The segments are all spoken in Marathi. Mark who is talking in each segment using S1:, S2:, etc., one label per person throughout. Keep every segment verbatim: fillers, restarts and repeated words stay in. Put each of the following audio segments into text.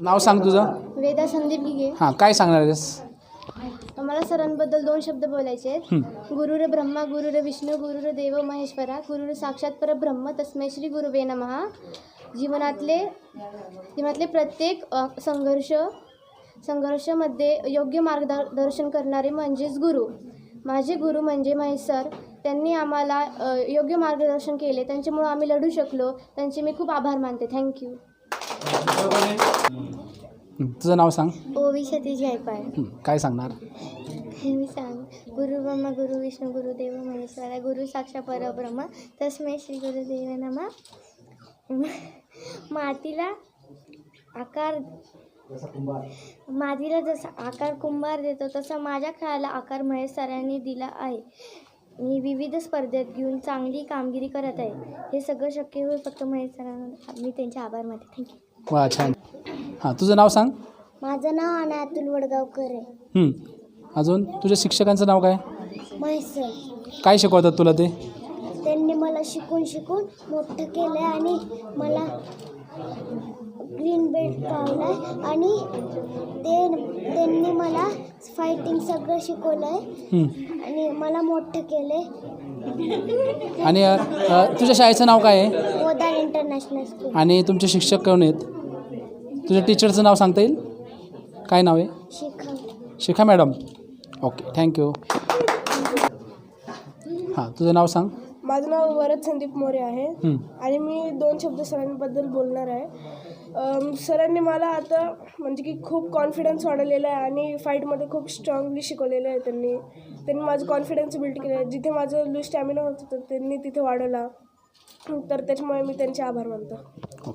S1: नाव सांग तुझं.
S2: वेदा संदीप गिगे.
S1: हां, काय सांगणार आहेस?
S2: मला सरांबद्दल दोन शब्द बोलायचे आहेत. गुरुर ब्रह्मा गुरुर विष्णू गुरुर देव महेश्वरा गुरुर साक्षात परब्रह्म तस्मै श्री गुरुवे नमः. जीवनातले जीवनातले प्रत्येक अ, संघर्ष संघर्षामध्ये योग्य मार्गदर्शन करणारे म्हणजेच गुरु. माझे गुरु म्हणजे महेश सर. त्यांनी आम्हाला अ, योग्य मार्गदर्शन केले. त्यांच्यामुळे आम्ही लढू शकलो. त्यांचे मी खूप आभार मानते. थँक्यू.
S1: तुझं नाव सांग.
S2: ओवी सतीश गायकवाड.
S1: हं, काय सांगणार?
S2: मी सांग गुरु ब्रह्मा गुरु विष्णू गुरुदेव महेश्वरा गुरु साक्षात परब्रह्म तस्मै श्री गुरुदेव नमः. मातीला आकार मातीला जसा आकार कुंभार देतो तसा माझ्या खेळाला आकार महेश सरांनी दिला आहे. मी विविध स्पर्धेत घेऊन चांगली कामगिरी करत आहे. हे सगळं शक्य होईल फक्त महेश सरांना. मी त्यांचे आभार मानते. थँक्यू.
S1: वा, छान. हां, तुझं नाव सांग.
S2: माझं नाव अना अतुल वडगावकर आहे.
S1: हं, अजून तुझ्या शिक्षकांचं नाव काय?
S2: महेश सर.
S1: काय शिकवतात तुला ते?
S2: त्यांनी मला शिकून शिकून मोठं केलं आहे आणि मला ग्रीन बेल्ट पावला आहे आणि ते त्यांनी मला फायटिंग सगळं शिकवलं आहे
S1: हं.
S2: आणि मला मोठं केलं आहे.
S1: आणि अ, अ, तुझ्या शाळेचं नाव काय आहे?
S2: Podar international school.
S1: आणि तुमचे शिक्षक कोण आहेत? तुझ्या टीचरचं नाव सांगता येईल? काय नाव आहे?
S2: Shikha.
S1: Shikha madam. Okay, thank you. हां, तुझं नाव सांग.
S3: माझं नाव वरद संदीप मोरे आहे
S1: हं.
S3: आणि मी दोन शब्द सरांबद्दल बोलणार आहे. अम, सरांनी मला आता म्हणजे की खूप कॉन्फिडन्स वाढवलेला आहे आणि फाईटमध्ये खूप स्ट्रॉंगली शिकवलेलं आहे. त्यांनी त्यांनी माझं कॉन्फिडन्स बिल्ड केलं आहे. जिथे माझं लूज स्टॅमिना होत होतं त्यांनी तिथे वाढवला. तर त्याच्यामुळे मी त्यांचे आभार मानतो.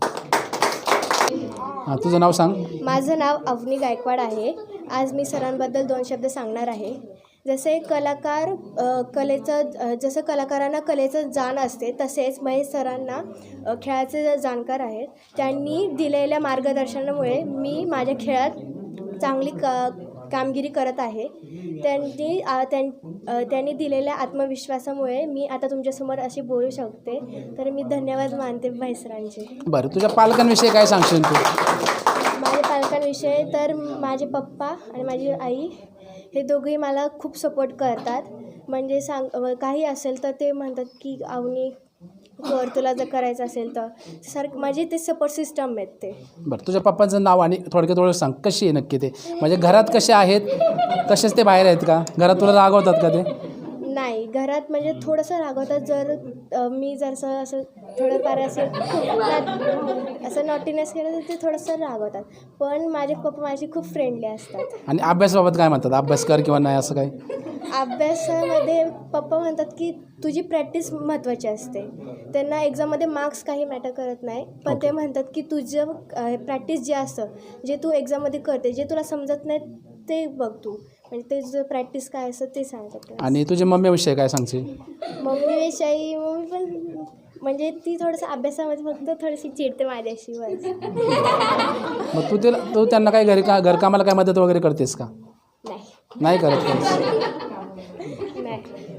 S1: हां, तुझं नाव सांग.
S2: माझं नाव अवनी गायकवाड आहे. आज मी सरांबद्दल दोन शब्द सांगणार आहे. जसे कलाकार अ, कलेचं अ, जसं कलाकारांना कलेचं जाण असते तसेच महेश सरांना अ, खेळाचे जाणकार आहेत. त्यांनी दिलेल्या मार्गदर्शनामुळे मी माझ्या खेळात चांगली का कामगिरी करत आहे. त्यांनी आ, त्यां अ, त्यांनी दिलेल्या आत्मविश्वासामुळे मी आता तुमच्यासमोर अशी बोलू शकते. तर मी धन्यवाद मानते महेश सरांचे.
S1: बरं, तुझ्या पालकांविषयी काय सांगशील तू?
S2: माझ्या पालकांविषयी तर माझे पप्पा आणि माझी आई हे दोघेही मला खूप सपोर्ट करतात. म्हणजे सांग काही असेल तर ते म्हणतात की अवनी कर, तुला जर करायचं असेल तर सारखं माझे ते सपोर्ट सिस्टम आहेत ते.
S1: बरं, तुझ्या पप्पांचं नाव आणि थोडक्यात थोडं सांग. कशी आहे नक्की ते? म्हणजे घरात कसे आहेत, तसेच ते बाहेर आहेत का? घरात तुला रागवतात का ते?
S2: नाही, घरात म्हणजे थोडंसं रागवतात. जर अ, मी जर असं असं थोडंफार असं असं नॉटीनेस केलं तर ते थोडंसं रागवतात. पण माझे पप्पा माझे खूप फ्रेंडली असतात.
S1: आणि अभ्यासाबाबत काय म्हणतात? अभ्यास कर किंवा नाही असं काय?
S2: अभ्यासामध्ये पप्पा म्हणतात की तुझी प्रॅक्टिस महत्त्वाची असते. त्यांना एक्झाममध्ये मार्क्स काही मॅटर करत नाही. पण ते म्हणतात की तुझं प्रॅक्टिस जे असतं, जे तू एक्झाममध्ये करते, जे तुला समजत नाही ते बघ तू. म्हणजे ते तुझं प्रॅक्टिस काय असतं ते सांगतात.
S1: आणि तुझ्या मम्मीविषयी काय सांगशील?
S2: मम्मीविषयी मम्मी पण म्हणजे ती थोडंसं अभ्यासामध्ये फक्त थोडीशी चिडते माझ्याशी बस.
S1: मग तू तिला तू त्यांना काय घरी का घरकामाला काय मदत वगैरे करतेस का?
S2: नाही
S1: नाही करत का?
S2: नाही